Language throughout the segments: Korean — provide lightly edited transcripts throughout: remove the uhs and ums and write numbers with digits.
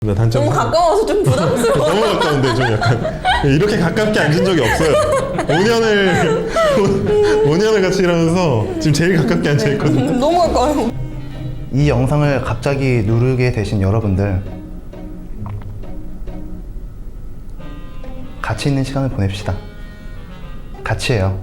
단점 너무 가까워서 좀 부담스러워. 너무 가까운데 좀 약간 이렇게 가깝게 앉은 적이 없어요. 5년을 같이 일하면서 지금 제일 가깝게 앉아 있거든요. 너무 가까워요. 이 영상을 갑자기 누르게 되신 여러분들, 같이 있는 시간을 보냅시다. 같이 해요.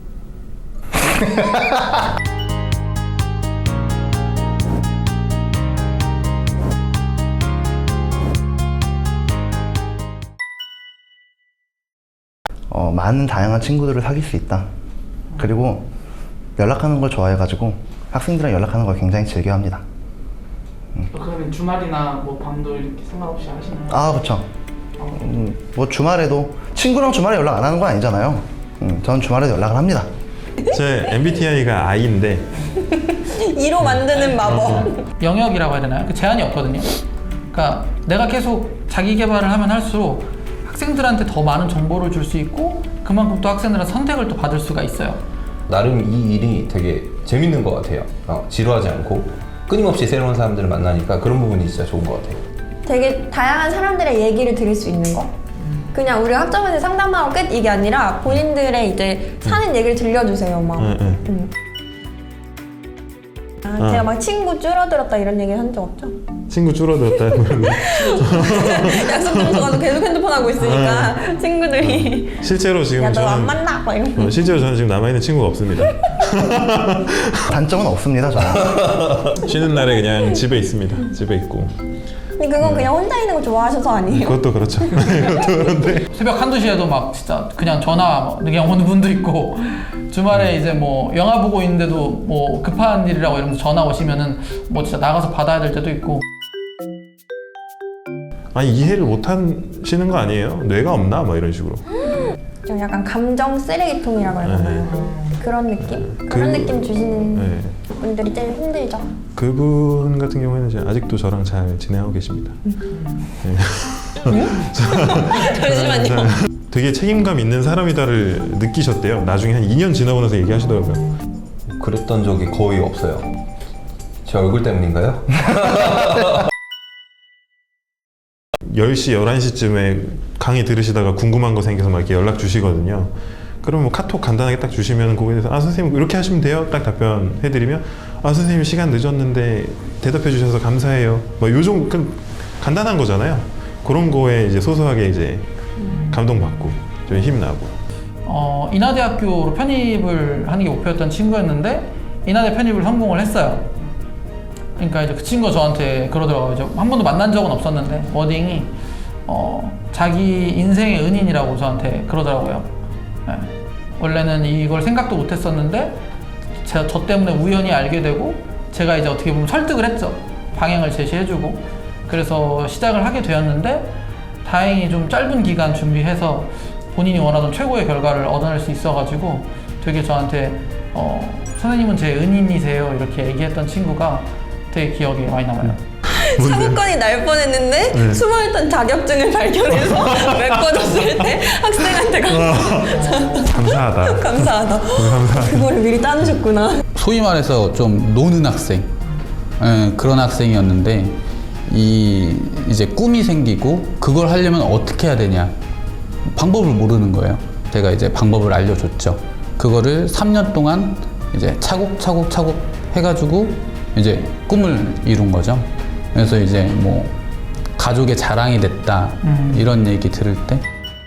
많은 다양한 친구들을 사귈 수 있다. 그리고 연락하는 걸 좋아해가지고 학생들이랑 연락하는 걸 굉장히 즐겨합니다. 그러면 주말이나 뭐 밤도 이렇게 상관없이 하시나요? 아, 그렇죠. 뭐 주말에도 친구랑 주말에 연락 안 하는 건 아니잖아요. 저는 주말에도 연락을 합니다. 제 MBTI가 I인데 2로 만드는 마법. 영역이라고 해야 되나요? 그 제한이 없거든요. 그러니까 내가 계속 자기 개발을 하면 할수록 학생들한테 더 많은 정보를 줄 수 있고 그만큼 또 학생들은 선택을 또 받을 수가 있어요. 나름 이 일이 되게 재밌는 것 같아요. 지루하지 않고 끊임없이 새로운 사람들을 만나니까 그런 부분이 진짜 좋은 것 같아요. 되게 다양한 사람들의 얘기를 들을 수 있는 거. 그냥 우리가 학점에서 상담하고 끝 이게 아니라 본인들의 이제 사는 얘기를 들려주세요. 막. 제가 막 친구 줄어들었다 이런 얘기 한 적 없죠? 친구 줄어들었다. 약속 장소가서 계속 핸드폰 하고 있으니까 친구들이 실제로 지금 야 너 안 저는 만나? 막 이러고. 실제로 저는 지금 남아있는 친구가 없습니다. 단점은 없습니다, 저는. 쉬는 날에 그냥 집에 있습니다. 집에 있고. 근데 그건 그냥 혼자 있는 거 좋아하셔서 아니에요? 그것도 그렇죠. 그것도 그런데 새벽 1~2시에도 막 진짜 그냥 전화 그냥 오는 분도 있고 주말에 이제 뭐 영화 보고 있는데도 뭐 급한 일이라고 이러면서 전화 오시면은 뭐 진짜 나가서 받아야 될 때도 있고. 아니 이해를 못 하시는 거 아니에요? 뇌가 없나? 막 이런 식으로. 좀 약간 감정 쓰레기통이라고 해야 되나요? 그런 느낌? 그런 느낌 주시는 분들이 제일 힘들죠. 그분 같은 경우에는 이제 아직도 저랑 잘 지내고 계십니다. 잠시만요. 되게 책임감 있는 사람이다를 느끼셨대요. 나중에 한 2년 지나고 나서 얘기하시더라고요. 그랬던 적이 거의 없어요. 제 얼굴 때문인가요? 10시, 11시쯤에 강의 들으시다가 궁금한 거 생겨서 막 이렇게 연락 주시거든요. 그럼 뭐 카톡 간단하게 딱 주시면 거기에 대해서 아 선생님 이렇게 하시면 돼요? 딱 답변해드리면 아 선생님 시간 늦었는데 대답해 주셔서 감사해요. 뭐 요즘 간단한 거잖아요. 그런 거에 이제 소소하게 이제 감동받고 좀 힘나고. 인하대학교로 편입을 하는 게 목표였던 친구였는데 인하대 편입을 성공을 했어요. 그러니까 이제 그 친구가 저한테 그러더라고요. 이제 한 번도 만난 적은 없었는데 워딩이 자기 인생의 은인이라고 저한테 그러더라고요. 네. 원래는 이걸 생각도 못했었는데 저 때문에 우연히 알게 되고 제가 이제 어떻게 보면 설득을 했죠. 방향을 제시해주고 그래서 시작을 하게 되었는데 다행히 좀 짧은 기간 준비해서 본인이 원하던 최고의 결과를 얻어낼 수 있어가지고 되게 저한테 선생님은 제 은인이세요 이렇게 얘기했던 친구가 되게 기억에 많이 남아요. 사고건이 날 뻔했는데 숨어있던 자격증을 발견해서 메꿔줬을 때 학생한테 감사하다. 감사하다. 감사하다. 그거를 미리 따놓으셨구나. 소위 말해서 좀 노는 학생, 그런 학생이었는데 이제 꿈이 생기고 그걸 하려면 어떻게 해야 되냐 방법을 모르는 거예요. 제가 이제 방법을 알려줬죠. 그거를 3년 동안 이제 차곡차곡 해가지고 이제 꿈을 이룬 거죠. 그래서 이제 뭐 가족의 자랑이 됐다 이런 얘기 들을 때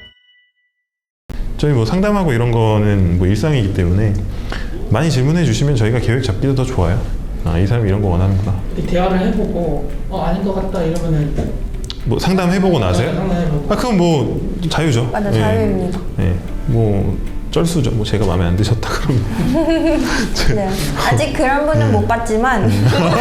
저희 뭐 상담하고 이런 거는 뭐 일상이기 때문에 많이 질문해 주시면 저희가 계획 잡기도 더 좋아요. 아, 이 사람이 이런 거 원하는구나. 대화를 해보고 아닌 것 같다 이러면은 뭐 상담해보고 나서요? 상담해보고. 아 그건 뭐 자유죠. 맞아, 예. 자유입니다. 예. 뭐 쩔수죠. 뭐 제가 마음에 안 드셨다 그러면. 네. 아직 그런 분은 못 봤지만.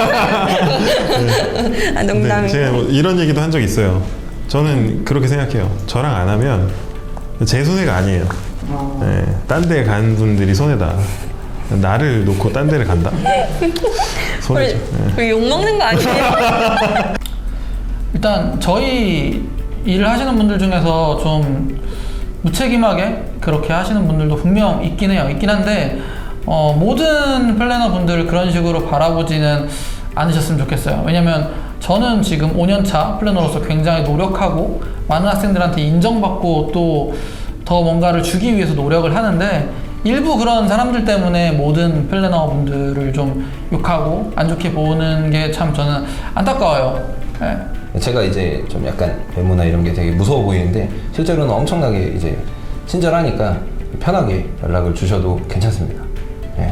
아, 농담이고. 제가 뭐 이런 얘기도 한 적 있어요. 저는 그렇게 생각해요. 저랑 안 하면 제 손해가 아니에요. 예. 딴 데 간 분들이 손해다. 나를 놓고 딴 데를 간다. 손해죠. 우리 욕먹는 거 아니에요? 일단 저희 일을 하시는 분들 중에서 좀 무책임하게 그렇게 하시는 분들도 분명 있긴 해요. 있긴 한데 모든 플래너 분들을 그런 식으로 바라보지는 않으셨으면 좋겠어요. 왜냐면 저는 지금 5년차 플래너로서 굉장히 노력하고 많은 학생들한테 인정받고 또 더 뭔가를 주기 위해서 노력을 하는데 일부 그런 사람들 때문에 모든 플래너분들을 좀 욕하고 안 좋게 보는 게 참 저는 안타까워요. 네. 제가 이제 좀 약간 외모나 이런 게 되게 무서워 보이는데 실제로는 엄청나게 이제 친절하니까 편하게 연락을 주셔도 괜찮습니다. 예.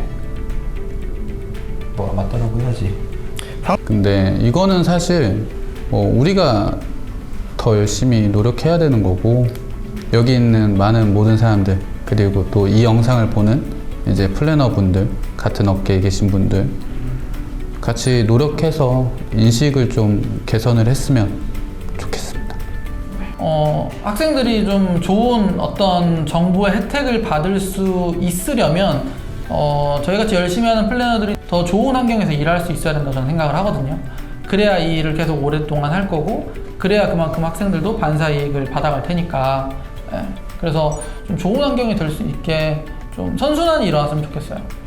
뭐가 맞다라고 해야지. 근데 이거는 사실 뭐 우리가 더 열심히 노력해야 되는 거고, 여기 있는 많은 모든 사람들, 그리고 또 이 영상을 보는 이제 플래너분들, 같은 업계에 계신 분들 같이 노력해서 인식을 좀 개선을 했으면 좋겠습니다. 학생들이 좀 좋은 어떤 정보의 혜택을 받을 수 있으려면 저희같이 열심히 하는 플래너들이 더 좋은 환경에서 일할 수 있어야 된다고 저는 생각을 하거든요. 그래야 이 일을 계속 오랫동안 할 거고, 그래야 그만큼 학생들도 반사 이익을 받아갈 테니까. 예. 그래서 좀 좋은 환경이 될 수 있게 좀 선순환이 일어났으면 좋겠어요.